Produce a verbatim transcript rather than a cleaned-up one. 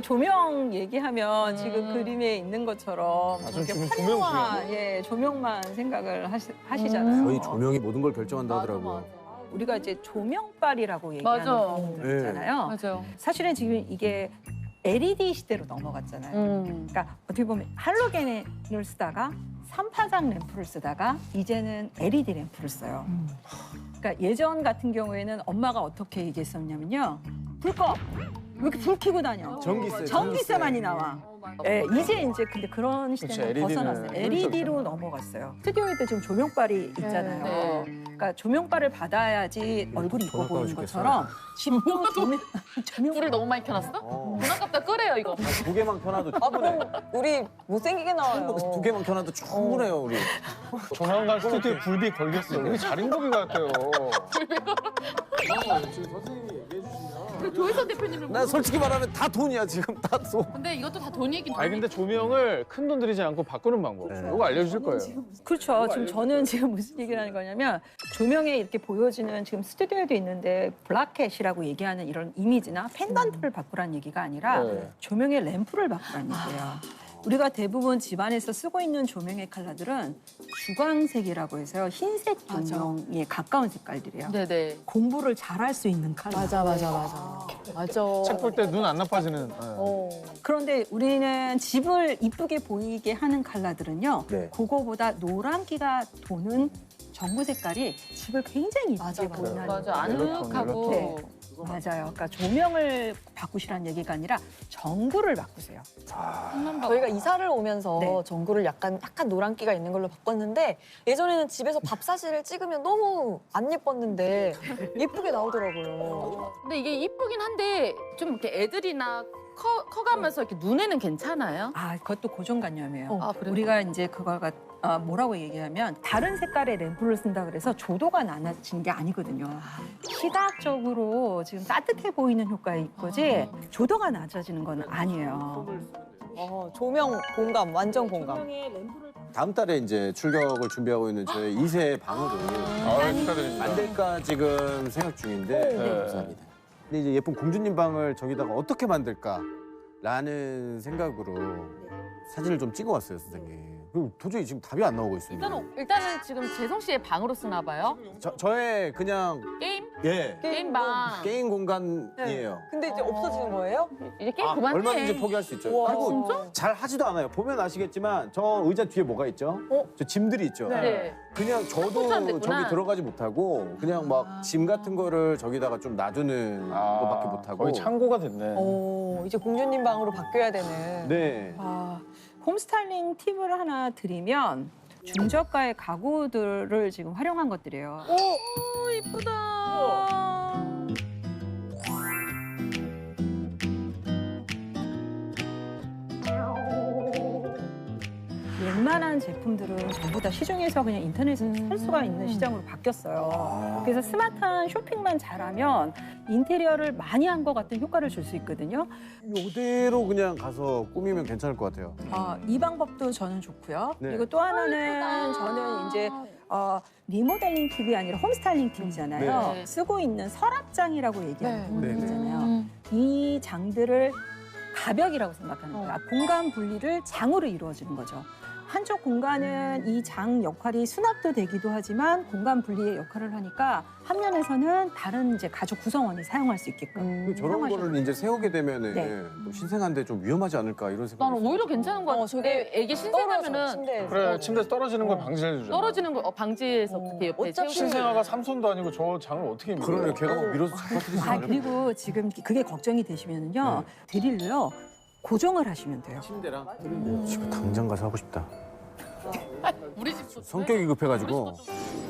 조명 얘기하면 음. 지금 그림에 있는 것처럼 아, 저렇게 지금 조명 화려한 중요해요. 예, 조명만 생각을 하시, 하시잖아요. 거의 조명이 모든 걸 결정한다 하더라고요. 우리가 이제 조명빨이라고 맞아. 얘기하는 부분들 네. 있잖아요. 맞아요. 사실은 지금 이게 엘이디 시대로 넘어갔잖아요. 음. 그러니까 어떻게 보면 할로겐을 쓰다가 삼파장 램프를 쓰다가 이제는 엘이디 램프를 써요. 그러니까 예전 같은 경우에는 엄마가 어떻게 얘기했었냐면요. 불 꺼! 왜 이렇게 불 켜고 다녀? 전기세. 전기세만이 나와. 예, 이제 이제 근데 그런 시대는 그치, 벗어났어요. 엘이디는 엘이디로 넘어갔어요. 스튜디오에도 지금 조명빨이 있잖아요. 네. 그러니까 조명빨을 받아야지 얼굴이 이뻐 보이는 죽겠어. 것처럼 집도 조명, 조명 불을 너무 많이 켜놨어? 어. 돈 아깝다 끄래요 이거. 두 개만 켜놔도 아 충분해. 그럼 우리 못생기게 나와요. 두 개만 켜놔도 충분해요, 우리. 조만간 스튜디오에 불비 걸겠어. 우리 자린고비 같아요. 그 조혜선 대표님은 나 솔직히 말하면 다 돈이야, 지금 다 돈. 근데 이것도 다 돈이긴 아니 근데 조명을 큰 돈 들이지 않고 바꾸는 방법. 네. 이거 알려주실 거예요. 그렇죠. 지금 저는 지금 무슨 얘기를 하는 거냐면 조명에 이렇게 보여지는 지금 스튜디오에도 있는데 블라켓이라고 얘기하는 이런 이미지나 펜던트를 바꾸라는 얘기가 아니라 네. 조명의 램프를 바꾸라는 얘기예요. 우리가 대부분 집안에서 쓰고 있는 조명의 컬러들은 주광색이라고 해서요. 흰색 조명에 가까운 색깔들이에요. 네네. 공부를 잘할 수 있는 컬러. 맞아 맞아 맞아. 맞아. 책 볼 때 눈 안 나빠지는. 네. 어. 그런데 우리는 집을 이쁘게 보이게 하는 컬러들은요. 네. 그거보다 노란기가 도는 전구 색깔이 집을 굉장히 이쁘게 맞아, 맞아. 보이는 맞아 멜로톤, 아늑하고. 네. 맞아요. 그러니까 조명을 바꾸시라는 얘기가 아니라 전구를 바꾸세요. 저희가 이사를 오면서 네. 전구를 약간 약간 노란기가 있는 걸로 바꿨는데 예전에는 집에서 밥 사진을 찍으면 너무 안 예뻤는데 예쁘게 나오더라고요. 근데 이게 이쁘긴 한데 좀 이렇게 애들이나 커, 커가면서 이렇게 눈에는 괜찮아요? 아, 그것도 고정관념이에요. 아, 그래요? 우리가 이제 그거가 아, 뭐라고 얘기하면 다른 색깔의 램프를 쓴다 그래서 조도가 낮아지는 게 아니거든요. 시각적으로 지금 따뜻해 보이는 효과가 있거지 조도가 낮아지는 건 아니에요. 어, 조명 공감 완전 공감. 다음 달에 이제 출격을 준비하고 있는 저희 이 세 방으로 아, 축하드립니다. 만들까 지금 생각 중인데 네. 감사합니다. 근데 이제 예쁜 공주님 방을 저기다가 어떻게 만들까라는 생각으로 사진을 좀 찍어왔어요, 선생님. 그리고 도저히 지금 답이 안 나오고 있습니다. 일단은, 일단은 지금 재성 씨의 방으로 쓰나 봐요? 저, 저의 그냥 게임? 예 게임방. 게임 공간이에요. 근데 이제 없어지는 거예요? 이제 게임 아, 그만해. 얼마든지 포기할 수 있죠. 우와. 그리고 진짜? 잘 하지도 않아요. 보면 아시겠지만 저 의자 뒤에 뭐가 있죠? 어? 저 짐들이 있죠. 네. 그냥 저도 혼자 됐구나. 저기 들어가지 못하고 그냥 막 짐 같은 거를 저기다가 좀 놔두는 것밖에 못하고. 거의 창고가 됐네. 오 이제 공주님 방으로 바뀌어야 되는. 네. 아, 홈스타일링 팁을 하나 드리면 중저가의 가구들을 지금 활용한 것들이에요. 오, 이쁘다. 웬만한 제품들은 전부 다 시중에서 그냥 인터넷에서 살 수가 있는 시장으로 바뀌었어요. 그래서 스마트한 쇼핑만 잘하면 인테리어를 많이 한 것 같은 효과를 줄 수 있거든요. 이대로 그냥 가서 꾸미면 괜찮을 것 같아요. 아, 이 방법도 저는 좋고요. 네. 그리고 또 하나는 저는 이제 어, 리모델링 팁이 아니라 홈스타일링 팁이잖아요. 네. 쓰고 있는 서랍장이라고 얘기하는 네. 부분이잖아요. 음. 이 장들을 가벽이라고 생각하는 거예요. 공간 분리를 장으로 이루어지는 거죠. 한쪽 공간은 이 장 역할이 수납도 되기도 하지만 공간 분리의 역할을 하니까 한 면에서는 다른 이제 가족 구성원이 사용할 수 있게끔 그리고 저런 사용하셔도 거를 이제 세우게 되면은 네. 뭐 신생한데 좀 위험하지 않을까 이런 생각. 나는 오히려 괜찮은 거 같아. 어, 저게 애기 떨어져 신생하면은 침대에서. 그래, 침대에서 떨어지는 걸 방지해 주잖아. 떨어지는 거 어, 방지해서 어. 그렇게 옆에 어차피 세우고. 신생아가 삼손도 아니고 저 장을 어떻게 밀어? 그러네. 걔가 막 밀어서 잡아뜨리지 아, 않을까. 그리고 지금 그게 걱정이 되시면은요. 드릴로요. 고정을 하시면 돼요. 침대랑 지금 당장 가서 하고 싶다. 우리 집도 성격이 급해가지고.